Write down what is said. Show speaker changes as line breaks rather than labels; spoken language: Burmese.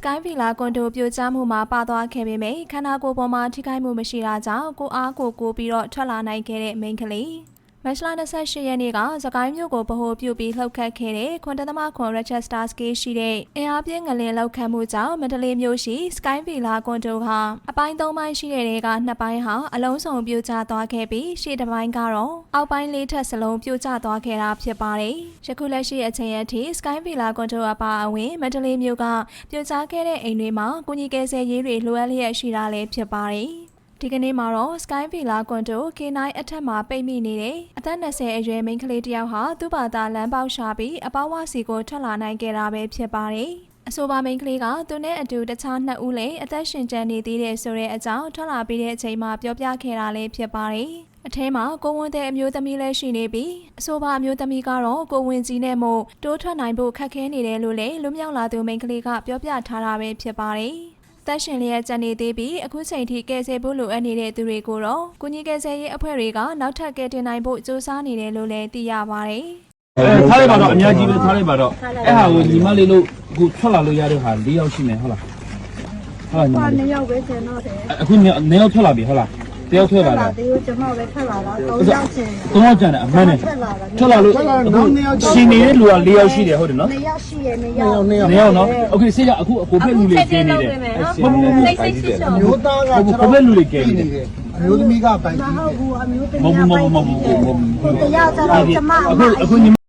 Sky Villa ကွန်ဒိုပြိုကျမှုမှာပါသွားခဲ့ပေမယ့်ခန္ဓာကိုယ်ပေါ်မှာထိခိုက်မှုမရှိတာကြောင့်ကိုအားကိုပြီးတော့ထွက်လာနိုင်ခဲ့တဲ့မိန်းကလေးမတ်လ28ရက်နေ့ကစကိုင်းမြို့ကိုဗဟိုပြုပြီးလှုပ်ခတ်ခဲ့တဲ့9.9 Rochester Scale ရှိတဲ့အင်အားပြင်းငလျင်လှုပ်ခတ်မှုကြောင့်မန္တလေးမြို့ရှိ Sky Villa ကွန်ဒိုဟာအပိုင်း3ပိုင်းရှိတဲ့က2ပိုင်းဟာအလုံးစုံပြိုကျသွားခဲ့ပြီးရှေ့တစ်ပိုင်းကတော့အောက်ပိုင်း4ထပ်စလုံးပြိုကျသွားခဲ့တာဖြစ်ပါတယ်။ယခုလက်ရှိအချိန်အထိ Sky Villa ကွန်ဒိုအပါအဝင်မန္တလေးမြို့ကပြိုကျခဲ့တဲ့အိမ်တွေမှာကုညီကယ်ဆယ်ရေးတွေလိုအပ်လျက်ရှိတာလည်းဖြစ်ပါတယ်။ဒီကနေ့မှာတော့ Sky Villa ကွန်ဒို K9 အထက်မှာပိတ်မိနေတဲ့အသက်20အရွယ်မိန်းကလေးတစ်ယောက်ဟာသူ့ဘာသာလမ်းပေါက်ရှာပြီးအပေါဝစီကိုထွက်လာနိုင်ခဲ့တာပဲဖြစ်ပါတယ်။အဆိုပါမိန်းကလေးကသူနဲ့အတူတခြား2ဦးလည်းအသက်ရှင်ကျန်နေသေးတယ်ဆိုတဲ့အကြောင်းထွက်လာပြီးတဲ့အချိန်မှာပြောပြခဲ့တာလည်းဖြစ်ပါတယ်။အထဲမှာကိုဝင်တဲ့အမျိုးသမီးလည်းရှိနေပြီးအဆိုပါအမျိုးသမီးကတော့ကိုဝင်ကြီးနဲ့မို့တိုးထွက်နိုင်ဖို့ခက်ခဲနေတယ်လို့လည်းလူမြောက်လာသူမိန်းကလေးကပြောပြထားတာပဲဖြစ်ပါတယ်။သက်ရှင်လျက်ကြံနေသေးပြီးအခုချိန်ထိကယ်ဆယ်ဖို့လိုအပ်နေတဲ့သူတွေကိုတော့ကုညီကယ်ဆယ်ရေးအဖွဲ့တွေကနောက်ထပ်ကယ်တင်နိုင်ဖို့စူးစမ်းနေတယ်လို့လည်းသိရပါတယ်
။ထားလိုက်ပါတော့အများကြီးပဲထားလိုက်ပါတော့အဲ့ဟာကိုညီမလေးလို့အခုထွက်လာလို့ရတဲ့ဟာ၄ယောက်ရှိမယ်ဟုတ်လား။ဟုတ်လားညီမလေး။2ယောက်ပဲကျန်တော့တယ်။အခု2ယောက်ထွက်လာပြီဟုတ်လား။တယောက်ထွက်လာတာ။ဒီကိုကျွန်မပဲထွက်လာတာ3ယောက်ကျန်တယ်။3ယောက်ကျန်တယ်အမှန်နဲ့ထွက်လာလို့ရှင်နေတဲ့လူက4ယောက်ရှိတယ်ဟုတ်တယ်နော်။2ယောက်ရှိရ2ယောက်နော်။ Okay ဆေးရအခုအကိုဖက်လူလေးကျင်းနေတယ်။မျိုးသားကကိုဖက်လူလေးကျင်းနေတယ်။အမျိုးသမီးကပိုင်ကြီးတယ်။မဟုတ်ဘူးအမျိုးသမီးကပိုင်ကြီးတယ်။တရားကြတော့ကျွန်မအခုညီ